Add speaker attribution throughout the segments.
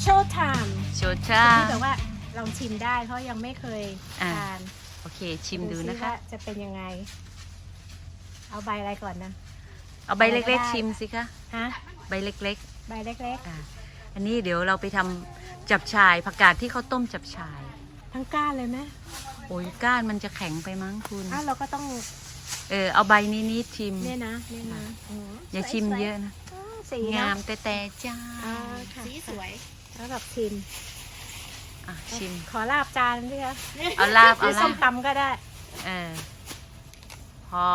Speaker 1: โชว์ไทม์
Speaker 2: โชชา
Speaker 1: ที่แบบว่าลองชิมได้เพราะยังไม่เคยทาน
Speaker 2: โอเคชิมดูนะคะ
Speaker 1: ว่าจะเป็นยังไง เอาใบอะไรก่อนนะ
Speaker 2: เอาใบเล็กๆชิมสิคะ
Speaker 1: ฮะ
Speaker 2: ใบเล็ก
Speaker 1: ใบเล็ก
Speaker 2: ๆอันนี้เดี๋ยวเราไปทำจับฉ่ายผักกาดที่เขาต้มจับฉ่าย
Speaker 1: ๆ ทั้งก้านเลยไหม
Speaker 2: โอ้ยก้านมันจะแข็งไปมั้งคุณ
Speaker 1: เราก็ต้อง
Speaker 2: เอาใบนี้นิดชิม
Speaker 1: เนี่ยนะอ๋อ
Speaker 2: อย่าชิมเยอะนะ
Speaker 1: อ๋อสี
Speaker 2: งา
Speaker 1: นะ
Speaker 2: มแต่จ้า
Speaker 1: ค่ะ
Speaker 3: สีสวย
Speaker 1: แล้วแบบชิม
Speaker 2: ชิม
Speaker 1: ขอลาบจานด้วยคะ
Speaker 2: เอาลาบ
Speaker 1: หรือส้มตำก็ได้
Speaker 2: พอ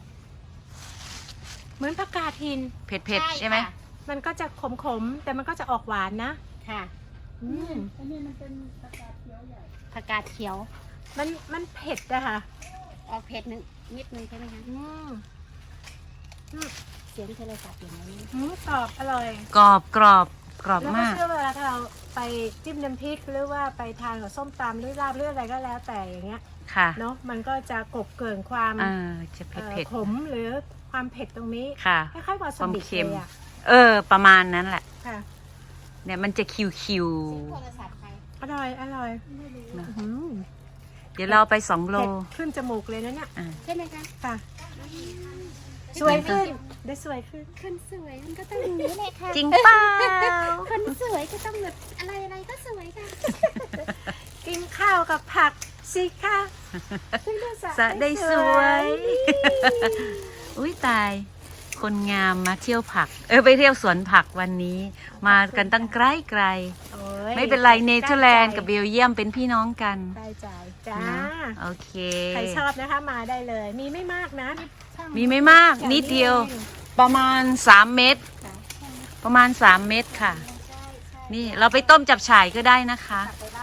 Speaker 1: เหมือนผักกาดหิน
Speaker 2: เผ็ดๆใช่ไหม
Speaker 1: มันก็จะขมๆ แต่มันก็จะออกหวานนะ
Speaker 3: ค่ะ
Speaker 1: อันนี้มันเป็นผักกาดเขียวใหญ่
Speaker 3: ผักกาดเขียว
Speaker 1: มันเผ็ดอะค่ะ
Speaker 3: ออกเผ็ดนิดนึงใช่ไหมคะ เสียงโทรศัพท์อย่างนี้
Speaker 1: กรอบอร่อย
Speaker 2: กรอบกรอบกรอบ
Speaker 1: แล้วก็
Speaker 2: มาก
Speaker 1: เชื่อเวลาถ้าเราไปจิ้มน้ำพริกหรือว่าไปทานกับส้มตำหรือลาบหรืออะไรก็แล้วแต่อย่างเงี้ย
Speaker 2: ค่ะ
Speaker 1: เนาะมันก็จะกลบเกลื่อนความ
Speaker 2: จะเผ็ด
Speaker 1: ขมหรือความเผ็ดตรงนี้
Speaker 2: ๆค่ะ
Speaker 1: คล้ายๆวาซาบิ
Speaker 2: ความเค็ม
Speaker 1: เลยอะ
Speaker 2: ประมาณนั้นแหละ
Speaker 1: ค่ะ
Speaker 2: เนี่ยมันจะคิว
Speaker 3: เสียงโทรศัพท์ใคร
Speaker 1: อร่อยอร่อย
Speaker 2: ๆนะ
Speaker 1: อืม
Speaker 2: เดี๋ยวเราไป2 โล
Speaker 1: เผ็ดขึ้นจมูกเลยนะเนี่ย
Speaker 3: ใช่ไหมคะ
Speaker 1: ค่ะ สวยขึ้นได้สวยขึ้น
Speaker 3: คนสวยมันก็ต้องอย่างนี้แหละค่ะ
Speaker 2: จริงเปล่า
Speaker 3: คนสวยก็ต้องแบบอะไรก็สวยค่ะ
Speaker 1: กินข้าวกับผักสิคะซึ่งได้
Speaker 2: สะได้สวย อุ้ยตาย คนงามมาเที่ยวผัก ไปเที่ยวสวนผักวันนี้ มากันตั้งไกล
Speaker 1: โอ้ย
Speaker 2: ๆไม่เป็นไรเนเธอร์แลนด์กับเบลเยียมเป็นพี่น้องกัน
Speaker 1: ได้ใจจ้า
Speaker 2: นะโอเค
Speaker 1: ใครชอบนะคะมาได้เลย มีไม่มากนะ
Speaker 2: มีไม่มากนิดเดียว ประมาณ3 เม็ดประมาณ3 เม็ดค่ะ นี่เราไปต้มจับฉ่ายก็ได้นะคะ